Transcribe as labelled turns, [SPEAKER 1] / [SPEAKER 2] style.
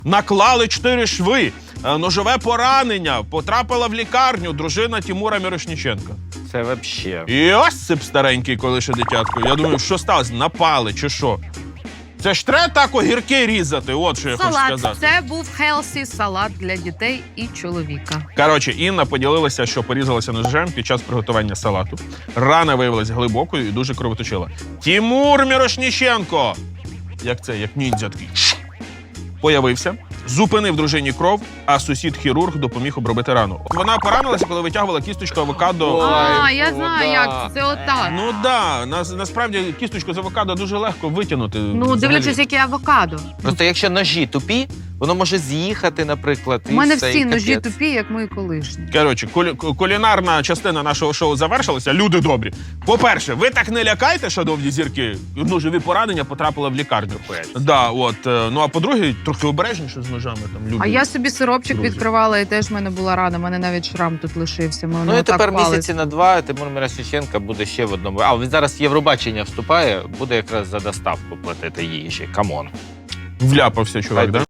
[SPEAKER 1] Наклали 4 шви, ножове поранення, потрапила в лікарню дружина Тимура Мірошніченка.
[SPEAKER 2] Це вообще.
[SPEAKER 1] І ось цеп старенький, коли ще дитятко. Я думаю, що сталося? Напали чи що? Це ж треба так огірки різати, от що я хочу
[SPEAKER 3] Салат.
[SPEAKER 1] сказати.
[SPEAKER 3] Це був хелсі салат для дітей і чоловіка.
[SPEAKER 1] Коротше, Інна поділилася, що порізалася ножем під час приготування салату. Рана виявилася глибокою і дуже кровоточила. Тимур Мірошніченко! Як ніндзя такий. Появився, зупинив дружині кров, а сусід-хірург допоміг обробити рану. Вона поранилася, коли витягувала кісточку авокадо.
[SPEAKER 3] Я знаю, як це отак.
[SPEAKER 1] Ну да, насправді кісточку з авокадо дуже легко витягнути.
[SPEAKER 3] Ну, дивлячись, яке авокадо.
[SPEAKER 2] Просто якщо ножі тупі, воно може з'їхати, наприклад.
[SPEAKER 3] У мене
[SPEAKER 2] і все,
[SPEAKER 3] всі
[SPEAKER 2] і
[SPEAKER 3] ножі
[SPEAKER 2] капець.
[SPEAKER 3] тупі, як мої колишні.
[SPEAKER 1] Коротше, кулінарна частина нашого шоу завершилася. Люди добрі. По-перше, ви так не лякайте, шановні зірки. Ножові поранення потрапили в лікарню. Да, от. Ну а по-друге, трохи обережніше з ножами. Там люди.
[SPEAKER 3] А я собі сиропчик
[SPEAKER 1] Друзі.
[SPEAKER 3] відкривала, і теж в мене була рана. У мене навіть шрам тут лишився.
[SPEAKER 2] Ну і тепер місяці на 2 Тимур Мірошніченко буде ще в одному. А він зараз в Євробачення вступає, буде якраз за доставку платити їжі. Камон.
[SPEAKER 1] Вляпався чувак,
[SPEAKER 2] Хай
[SPEAKER 1] да?